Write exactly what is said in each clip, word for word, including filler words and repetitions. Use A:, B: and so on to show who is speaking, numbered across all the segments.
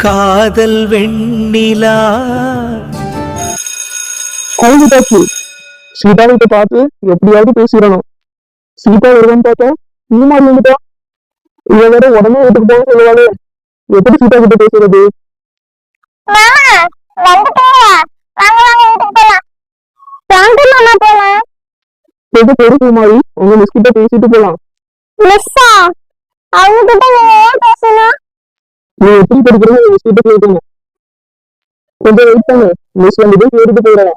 A: காதல் வெண்ணிலா
B: கோவிட்டாச்சு. சீதாவிட்ட பார்த்து எப்படியாவது பேசிடணும். சீதா வருவான்னு பார்த்தா இந்த மாதிரி வந்துட்டா. இவ வேற உடனே வீட்டுக்கு போக சொல்லுவாளே, எப்படி சீதா கிட்ட பேசுறது? எது பெருக்கு மாதிரி உங்க மிஸ் கிட்ட பேசிட்டு போலாம். நீ எப்படி படிக்கிறது மிஸ் கிட்ட கேட்கணும். கொஞ்சம் வெயிட் பண்ணு, மிஸ் வந்துட்டு கேட்டுட்டு போயிடலாம்.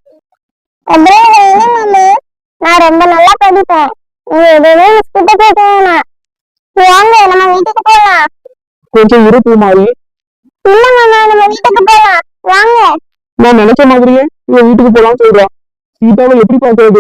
C: நான் ரொம்ப நல்லா படிப்பேன். நீ எதுவுமே மிஸ் கிட்ட கேட்கணும். வாங்க நம்ம வீட்டுக்கு போலாம்.
B: கொஞ்சம் இருப்பு மாதிரி.
C: இல்ல மாமா, நம்ம வீட்டுக்கு போலாம் வாங்க.
B: நான் நினைச்ச மாதிரியே இவன் வீட்டுக்கு போலான்னு சொல்றான். சீதாவை எப்படி பாக்குறது?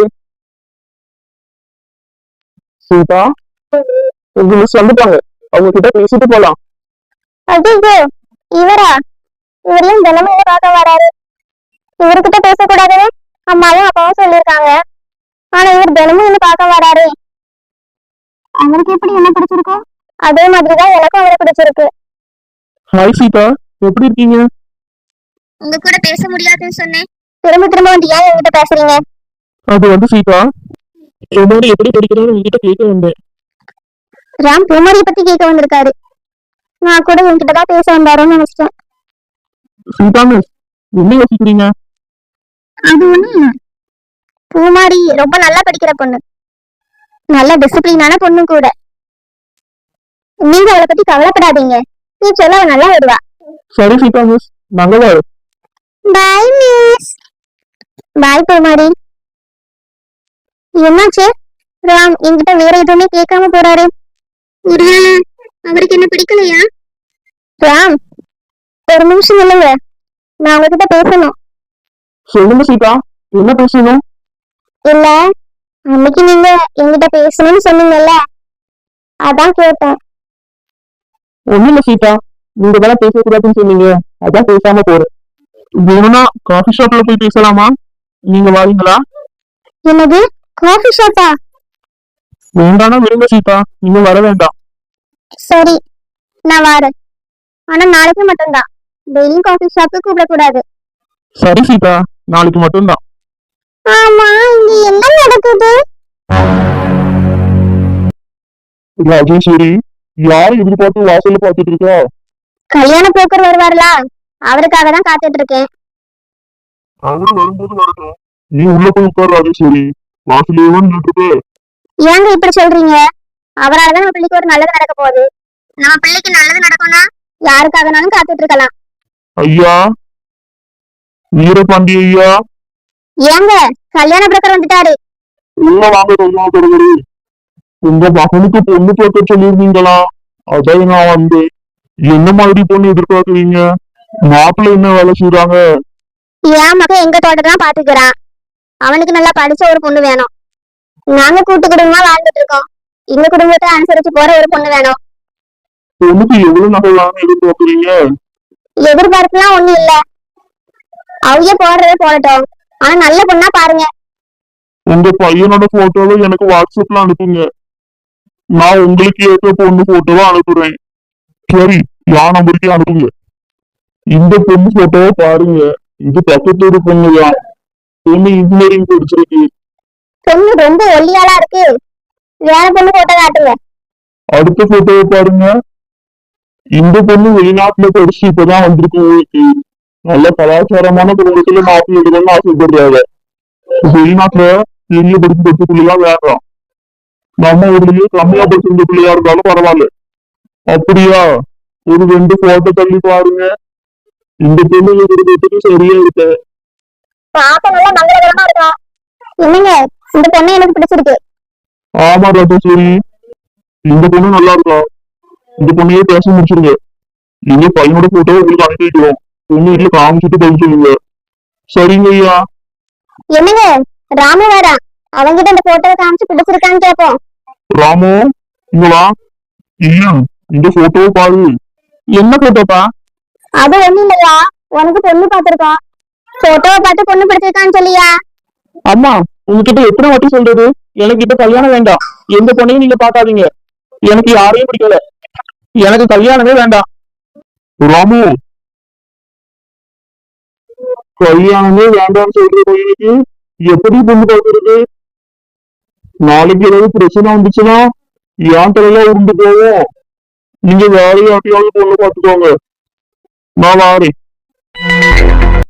B: சீதா, உங்க மிஸ் வந்துட்டாங்க, அவங்க கிட்ட பேசிட்டு போலாம்.
C: அடிக்கு இவரா? இவரையும் தினமும் என்ன பார்க்க வராரு. இவர்கிட்ட பேசக்கூடாதுன்னு அம்மாவும் அப்பாவும் சொல்லியிருக்காங்க. ஆனா இவர் தினமும் என்ன பார்க்க வராரு. அவருக்கு எப்படி என்ன பிடிச்சிருக்கோ அதே மாதிரிதான் எனக்கும் அவரை பிடிச்சிருக்கு.
B: ஹாய் சீதா, எப்படி இருக்கீங்க?
C: உங்க கூட பேச முடியாதுன்னு சொன்னேன், திரும்ப திரும்ப வந்து ஏன் என்கிட்ட பேசுறீங்க?
B: அது வந்து சீதா, என்னோட எப்படி படிக்கிறான்னு உங்ககிட்ட கேட்க வந்தேன்.
C: ராம் பூமாரியை பத்தி கேட்க வந்திருக்காரு. நான் கூட உங்ககிட்டதான் பேச வந்தாரோன்னு நினைச்சிட்டேன்.
B: சீதா மிஸ், என்ன யோசிக்கிறீங்க?
C: அது ஒண்ணு இல்ல, பூமாரி ரொம்ப நல்லா படிக்கிற பொண்ணு, நல்ல டிசிப்ளினான பொண்ணு கூட. நீங்க அவளை பத்தி கவலைப்படாதீங்க, நீ சொல்ல அவ நல்லா வருவா.
B: சரி சீதா மிஸ், நாங்க வரோம்.
C: Bye miss. பாய் பூமாரி. என்னாச்சு? ராம் என்கிட்ட வேற எதுவுமே கேட்காம போறாரு. ஒருவேளை அவருக்கு என்ன பிடிக்கலையா? ராம் ஒரு நிமிஷம் இல்லைங்க, நான் உங்ககிட்ட பேசணும்.
B: சொல்லுங்க சீதா, என்ன பேசணும்?
C: இல்ல, அன்னைக்கு நீங்க என்கிட்ட பேசணும்னு சொன்னீங்கல்ல, அதான் கேட்டேன்.
B: ஒண்ணு இல்ல சீதா, நீங்க தானே பேசக்கூடாதுன்னு சொன்னீங்க, அதான் பேசாம போறேன். வேணும்னா காஃபி ஷாப்ல போய் பேசலாமா? நீங்க வாரீங்களா?
C: என்னது, காஃபி ஷாப்பா?
B: வேண்டானா விடுங்க சீதா, நீங்க வர வேண்டாம்.
C: சரி, நான் வரேன். ஆனா நாளைக்கு மட்டும்தான், டெய்லியும் காஃபி ஷாப்புக்கு கூப்பிடக்கூடாது.
B: சரி சீதா, நாளைக்கு மட்டும்தான்.
C: ஆமா, இங்க என்ன நடக்குது?
B: ராஜேஸ்வரி, யாரை எதிர்பார்த்து வாசல்ல பாத்துட்டு இருக்கா?
C: கல்யாண போக்கர் வருவாருலா, அவருக்காக தான் காத்துட்டு இருக்கேன்.
B: அவரு வரும்போது வரட்டும், நீ உள்ள போய் உட்கார் ராஜேஸ்வரி, வாசலே நின்றுட்டு.
C: ஏங்க இப்படி சொல்றீங்க? அவராலதான் நம்ம பிள்ளைக்கு ஒரு நல்லது நடக்க போகுது. நம்ம பிள்ளைக்கு நல்லது நடக்கும்னா யாருக்காகனாலும் காத்துட்டு இருக்கலாம்.
B: ஐயா, வீரபாண்டி ஐயா.
C: ஏங்க கல்யாண புரோக்கர் வந்துட்டாரு.
B: உள்ள வாங்க கல்யாண தொடர்பு. உங்க மகனுக்கு பொண்ணு பார்க்க சொல்லியிருந்தீங்களா? அதான் நான் வந்து. என்ன மாதிரி பொண்ணு எதிர்பார்க்குறீங்க? மாப்பிள்ளை என்ன வேலை செய்யறாங்க?
C: என் மகன் எங்க தோட்டத்தான் பாத்துக்கிறான். அவனுக்கு நல்லா படிச்ச ஒரு பொண்ணு வேணும். நாங்க கூட்டு குடும்பமா வாழ்ந்துட்டு இருக்கோம். எங்க குடும்பத்தை அனுசரிச்சு போற ஒரு பொண்ணு வேணும்.
B: பொண்ணுக்கு எவ்வளவு நகை வாங்க எதிர்பார்க்குறீங்க?
C: எதிர்பார்ப்புலாம் ஒண்ணு இல்ல, அவங்க போடுறத போடட்டும், ஆனா நல்ல பொண்ணா பாருங்க.
B: உங்க பையனோட போட்டோவை எனக்கு வாட்ஸ்அப்ல அனுப்புங்க, நான் உங்களுக்கு ஏற்ற பொண்ணு போட்டோவை அனுப்புறேன். சரி, யா நம்பருக்கே அனுப்புங்க. இந்த பொண்ணு போட்டோவை பாருங்க, இது பக்கத்தோட பொண்ணுதான். பொண்ணு இன்ஜினியரிங் படிச்சிருக்கு.
C: பொண்ணு ரொம்ப ஒல்லியாலா இருக்கு, வேற பொண்ணு போட்டோ காட்டுங்க.
B: அடுத்த போட்டோவை பாருங்க, இந்த பொண்ணு வெளிநாட்டுல படிச்சு இப்பதான் வந்திருக்கு. உங்களுக்கு நல்ல கலாச்சாரமான குடும்பத்துல மாப்பிள்ளை எடுக்கணும்னு ஆசைப்படுறாங்க. வெளிநாட்டுல பெரிய படிப்பு படிச்ச பிள்ளையா வேண்டாம், நம்ம ஊர்லயே கம்மியா படிச்சிருந்த பிள்ளையா இருந்தாலும் பரவாயில்ல. அப்படியா? ஒரு ரெண்டு போட்டோ தள்ளி பாருங்க, இந்த பொண்ணு இருக்கிறதுக்கு சரியா இருக்கு.
C: பாக்க நல்லா மங்களகரமா இருக்கா. என்னங்க, இந்த பொண்ணு எனக்கு பிடிச்சிருக்கு.
B: ஆமா ராஜேஸ்வரி, இந்த பொண்ணு நல்லா இருக்கா. இந்த பொண்ணையே பேச முடிச்சிருங்க. நீங்க பையனோட போட்டோ உங்களுக்கு அனுப்பி வைக்கிறோம், பொண்ணு வீட்டுல காமிச்சிட்டு பதில் சொல்லுங்க. சரிங்க ஐயா.
C: என்னங்க, ராமு வேற, அவங்கிட்ட இந்த போட்டோவை காமிச்சு பிடிச்சிருக்கான்னு கேட்போம்.
B: ராமு, இங்களா? ஐயா, இந்த போட்டோவை பாரு. என்ன போட்டோப்பா?
C: அது ஒண்ணு இல்லையா, உனக்கு பொண்ணு பாத்திருக்கோம், போட்டோவை பார்த்து பொண்ணு பிடிச்சிருக்கான்னு சொல்லியா.
B: அம்மா, உங்ககிட்ட எத்தனை வாட்டி சொல்றது, எனக்கு இப்ப கல்யாணம் வேண்டாம், எந்த பொண்ணையும் நீங்க பாக்காதீங்க, எனக்கு யாரையும் பிடிக்கல, எனக்கு கல்யாணமே வேண்டாம். ராமு, கல்யாணமே வேண்டாம்னு சொல்ற பையனுக்கு எப்படி பொண்ணு பார்க்கறது? நாளைக்கு ஏதாவது பிரச்சனை வந்துச்சுன்னா என் தலையில உண்டு போவோம். நீங்க வேற யார்ட்டையாவது பொண்ணு பார்த்துக்கோங்க. நான் வாரேன்.